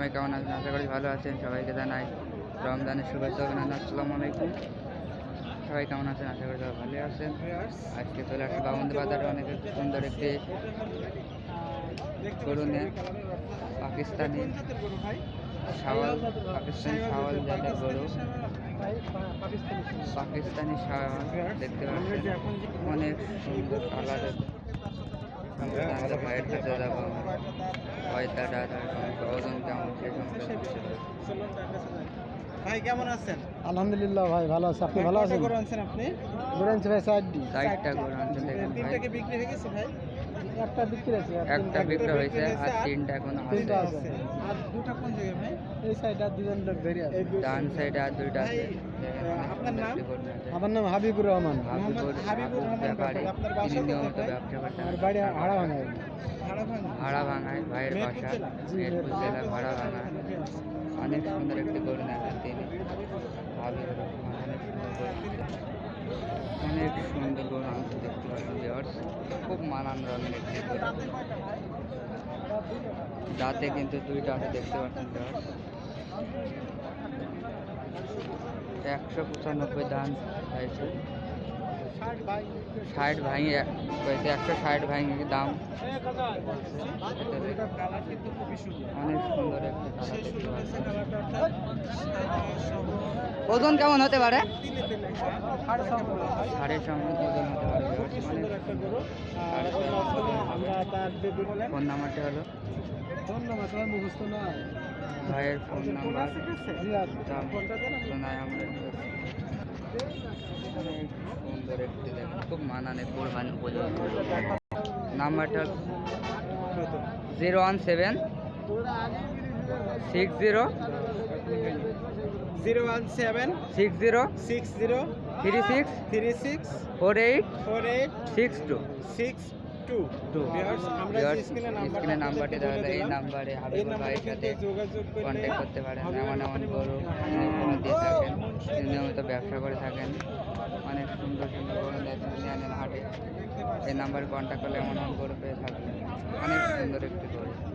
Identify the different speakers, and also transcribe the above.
Speaker 1: সবাই কেমন আছেন? আশা করি ভালো আছেন। সবাইকে জানাই রমজানের শুভেচ্ছা অভিনন্দন। আসসালামু আলাইকুম। সবাই কেমন আছেন? আশা করি সবাই ভালো আছেন। আজকে চলে আসছে বামন্দি বাজারে অনেক সুন্দর একটি গরু নিয়ে পাকিস্তানি শাওয়াল জাতের গরু, পাকিস্তানি শাওয়াল দেখতে পাচ্ছেন, অনেক সুন্দর কালারের। আমাদের ভাইয়ের কাছে যাবো, কয়টা দাদার ওজন কেমন সেই সম্পর্কে।
Speaker 2: ভাই কেমন আছেন?
Speaker 3: আলহামদুলিল্লাহ ভাই ভালো আছে। আপনি ভালো আছেন?
Speaker 2: গরু আনছেন আপনি?
Speaker 3: গরু আনছি ভাই
Speaker 1: চারটা গরু আনছেন দেখেন ভাই।
Speaker 2: তিনটা কি বিক্রি হয়ে গেছে ভাই?
Speaker 3: একটা বিক্রি আছে,
Speaker 1: একটা বিক্রি হয়েছে আর তিনটা এখন
Speaker 3: তিনটা
Speaker 1: আছে।
Speaker 3: আছে।
Speaker 2: আর দুটো কোন জায়গায় ভাই?
Speaker 3: এই সাইডে আর দুজন লোক ধরে আছে।
Speaker 1: ডান সাইডে আর দুইটা আছে।
Speaker 2: আপনার নাম?
Speaker 3: আমার নাম হাবিবুর রহমান।
Speaker 2: হাবিবুর রহমান
Speaker 1: ব্যাপারী।
Speaker 2: আপনার বাসা
Speaker 1: তিনি নিয়মিত
Speaker 2: কোথায় ভাই?
Speaker 1: ব্যবসা করতেন।
Speaker 3: আমার বাড়ি হাড়া ভাঙায়।
Speaker 1: ভাড়া ভাঙায় ভাইয়ের বাসা, মেহেরপুর জেলা ভাড়া ভাঙায়। অনেক সুন্দর একটি গরু নেন তিনি, হাবিবুর রহমান। অনেক সুন্দর গরু আনতে দেখতে পাচ্ছেন ভিউয়ার্স। খুব মানান রঙের একটি গরু, দাঁতে কিন্তু দুইটা আছে দেখতে পাচ্ছেন ভিউয়ার্স। 195 দাম চাইছে, 60 ভাঙে কয়েছে, 160 ভাঙে দাম। অনেক সুন্দর একটা কালার দেখতে পাচ্ছেন। ওজন কেমন হতে পারে? 3.5 ওজন হতে পারে। ফোন নাম্বারটা হলো, ভাইয়ের ফোন নাম্বার শোনায় আমরা। অনেক সুন্দর একটি দেখেন, খুব মানানে কোরবানি উপযোগী। নাম্বারটা 017 60
Speaker 2: 017
Speaker 1: 60
Speaker 2: 60
Speaker 1: 36
Speaker 2: 36
Speaker 1: 48
Speaker 2: 48
Speaker 1: 62
Speaker 2: 62। আমরা
Speaker 1: Viewers,
Speaker 2: যে স্ক্রিনে
Speaker 1: স্ক্রিনে নাম্বারটি দেওয়া হলো, এই নাম্বারে হাবিবুর ভাইয়ের সাথে
Speaker 2: যোগাযোগ
Speaker 1: কন্ট্যাক্ট করতে পারেন। এমন এমন গরু তিনি উপহার দিয়ে থাকেন, তিনি নিয়মিত ব্যবসা করে থাকেন। অনেক সুন্দর সুন্দর গরু নিয়ে আনেন হাটে। এই নাম্বারে কন্ট্যাক্ট করলে এমন এমন গরু পেয়ে থাকবেন। অনেক সুন্দর একটি গরু।